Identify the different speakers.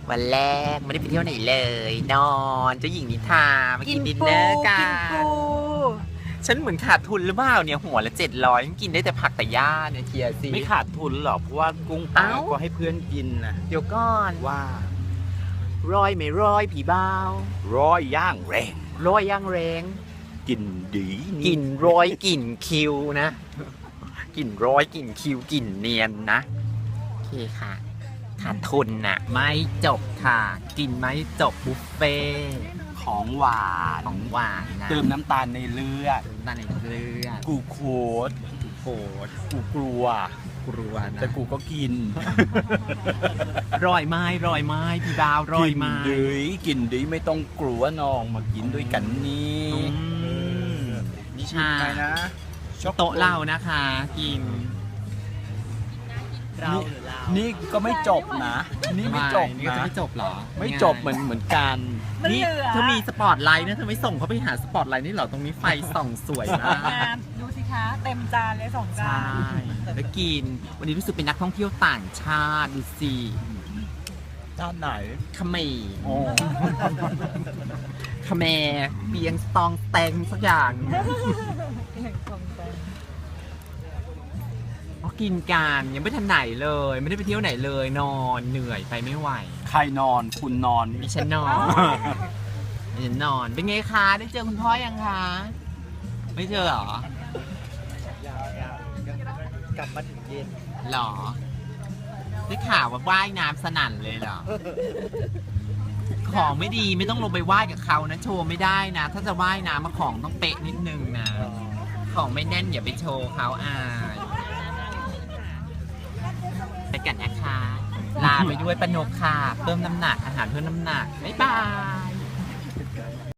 Speaker 1: วันแรกไม่ได้ไปเที่ยวไหนเลยนอนเจ้าหญิงนิทรามากินดินเนอร์กันฉันเหมือนขาดทุนหรือเปล่าเนี่ยหัวละ700กินได้แต่ผักแต่หญ้าเนี่ยเทียสิ
Speaker 2: ไม่ขาดทุนหรอกเพราะว่ากุ้งปลาก็ให้เพื่อนกินนะ
Speaker 1: เดี๋ยวก่อน
Speaker 2: ว่า
Speaker 1: ร้อยไม่ร้อยผีบ้าว
Speaker 2: ร้อยย่างแรง
Speaker 1: ร้อยย่างแรง
Speaker 2: กินดี
Speaker 1: กินร้อยกินคิวนะกินร้อยกินคิวกินเนียนนะโอเคค่ะขาดทุนน่ะไม่จบค่ะกินไม่จบบุฟเฟ่
Speaker 2: ของหวาน
Speaker 1: นะ
Speaker 2: เติมน้ำตาลในเลือดกูโคตรกูกลัวนะแต่กูก็กิน
Speaker 1: ร่อยไม้พี่ดาวร่อยไม้
Speaker 2: กินดีไม่ต้องกลัวน้องมากินด้วยกันนี่
Speaker 1: นี่ชา
Speaker 2: นะ
Speaker 1: โต๊ะเรานะคะกิน
Speaker 2: นี่ก็ไม่จบนะนี่ไม่จบ
Speaker 1: นี่ก็จะไม่จบหรอ
Speaker 2: ไม่จบเหมือนกัน
Speaker 1: นี่เธอมีสปอตไลท์นะเธอไม่ส่งเขาไปหาสปอตไลท์นี่เหรอตรงนี้ไฟส่องสวยมาก
Speaker 3: ดูสิคะเต็มจานเลย2 จาน
Speaker 1: ใช่แล้วกินวันนี้รู้สึกเป็นนักท่องเที่ยวต่างชาติดูสิ
Speaker 2: ด้านไหน
Speaker 1: เขมรเขมรเบียงสตองแตงสักอย่างกินกันยังไม่ทันไหนเลยไม่ได้ไปเที่ยวไหนเลยนอนเหนื่อยไปไม่ไหว
Speaker 2: ใครนอนคุณนอน
Speaker 1: ดิฉันนอนดิฉันนอนเป็นไงคะได้เจอคุณพ่อยังคะไม่เจอหร
Speaker 2: อกลับมาถึงเย็น
Speaker 1: หรอได้ข่าวว่าว่ายน้ำสนั่นเลยเหรอของไม่ดีไม่ต้องลงไปว่ายกับเขานะโชว์ไม่ได้นะถ้าจะว่ายน้ำมาของต้องเป๊ะนิดนึงนะของไม่แน่นอย่าไปโชว์เขาอายไปกันนะคะลาไปด้วยปนกค่ะเพิ่มน้ำหนักอาหารเพิ่มน้ำหนักบ๊ายบาย